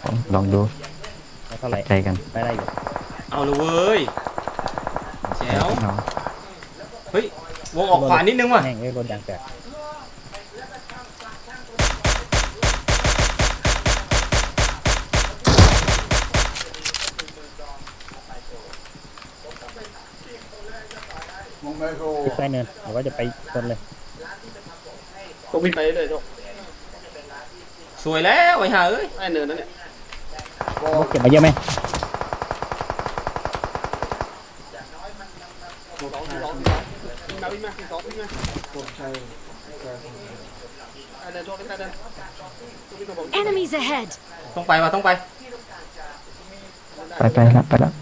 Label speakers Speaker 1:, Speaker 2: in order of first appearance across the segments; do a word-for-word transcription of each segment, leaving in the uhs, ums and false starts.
Speaker 1: ลองดู
Speaker 2: แล้วเท่าไหร่
Speaker 1: ใจกัน
Speaker 2: ไม่ได้อยู่
Speaker 3: เอาเลยเว้ยแจ๋ว
Speaker 1: น้อง
Speaker 3: เฮ้ย วงออกขวานิดนึงว่ะ
Speaker 2: แม่งเอ้ยรถยางแตกขึ้นไปเนินหรือว่าจะไปชนเลย
Speaker 4: ต้องวิ่งไปเลยโชค
Speaker 3: สวยแล้วไอ้ห่าเอ้ย
Speaker 4: ไอ้เนินนั่นเนี่ย
Speaker 2: เก็บมาเยอะไหม
Speaker 4: สองสองสองวิ่งมาวิ่งมาสองวิ่งมาไอ้เดินโชคไอ้เดิน
Speaker 5: Enemies ahead
Speaker 3: ต้องไปว่ะต้องไป
Speaker 1: ไปไปละไปละ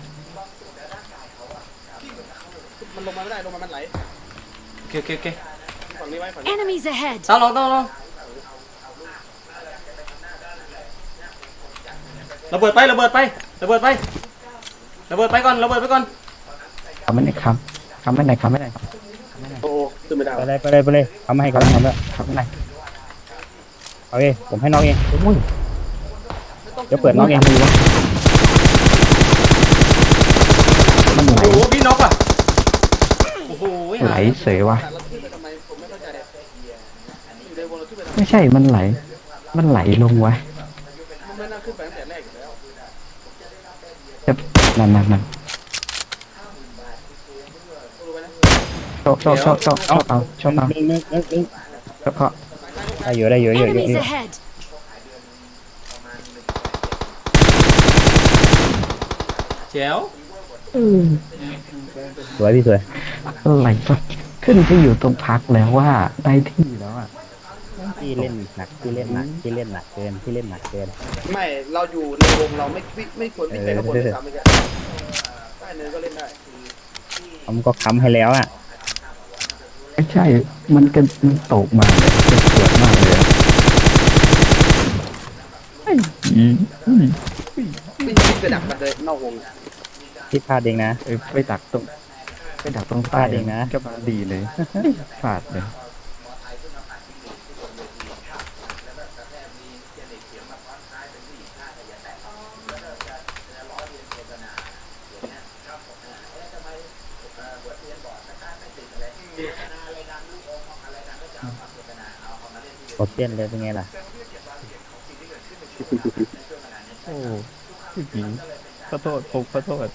Speaker 4: มันลงมาไม่ได้ลงมามันไหล
Speaker 3: โอเคโอเคโอเค
Speaker 4: ฝั่งนี้ไว้ฝั่งนี้
Speaker 5: Enemies ahead
Speaker 3: ต้องลองต้องลองระเบิดไประเบิดไประเบิดไประเบิดไปก่อนระเบิดไปก่อน
Speaker 1: ทำไม่ได้คำทำไม่ได้คำไม่ได้
Speaker 4: โอ้ขึ้นไม่ได้
Speaker 2: ไปเลยไปเลยไปเลยเขาไม่ให้เขาไม่ทำแล้ว
Speaker 1: ทำไม่ได้
Speaker 2: เอาเองผมให้น้องเองเดี๋ยวเปิดน้องเอง
Speaker 1: มันไหล
Speaker 3: โอ้โหพี่น็อกอ่ะโอ้โห
Speaker 1: ไหลเสยวะ
Speaker 4: เราขึ้นไปทำไมผมไม่เข้าใจอยู่ในวงเราขึ้นไปทำไม
Speaker 1: ไม่ใช่มันไหลมันไหลลงวะ
Speaker 4: มันไม่น่าขึ้นไปตั้งแต่แรกอยู่แล้ว
Speaker 1: จะนั่นนั่นนั่นชอบชอบชอบชอบชอบเอาชอบเอา
Speaker 2: นึงนึงนึงนึง
Speaker 1: ชอบเขา
Speaker 2: ได้อยู่ได้อยู่ได้อยู่ได้อ
Speaker 5: Enemies
Speaker 2: ยู่
Speaker 5: ahead
Speaker 3: แจ๋ว
Speaker 2: สวยพี่สวย
Speaker 1: อะไรวะขึ้นไปอยู่ตรงพักแล้วว่าได้ที่แล้วอ่ะ
Speaker 2: พี่เล่นหนักพี่เล่นหนักพี่เล่นหนักเกินพี่เล่นหนักเกิน
Speaker 4: ไม่เราอยู่ในวงเราไม่ไม่ไม่ควรวิ่งไปข้างบนเลยซ้ำไม่ใช่ใต้เนินก็เล่นได้
Speaker 2: ผมก็ค้ำให้แล้วอ่ะ
Speaker 1: ไม่ใช่มันกันมันตกมาเลยจะสวยมากเลยไอ้อีอี
Speaker 4: วิ่งวิ่งไปดักมันเลยนอกวง
Speaker 2: พี่พลาดเองนะ
Speaker 1: เอ้ยไปดักตรงไปดักตรงใต้
Speaker 2: พลาดเองนะ
Speaker 1: ก็มาดีเลยพลาดเลย
Speaker 2: กดเต้นเลยเป็นไงล่ะ
Speaker 1: โอ้พี่ผีขอโทษผมขอโทษ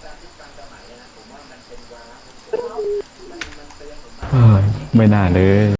Speaker 1: เฮ้ยไม่น่าเลย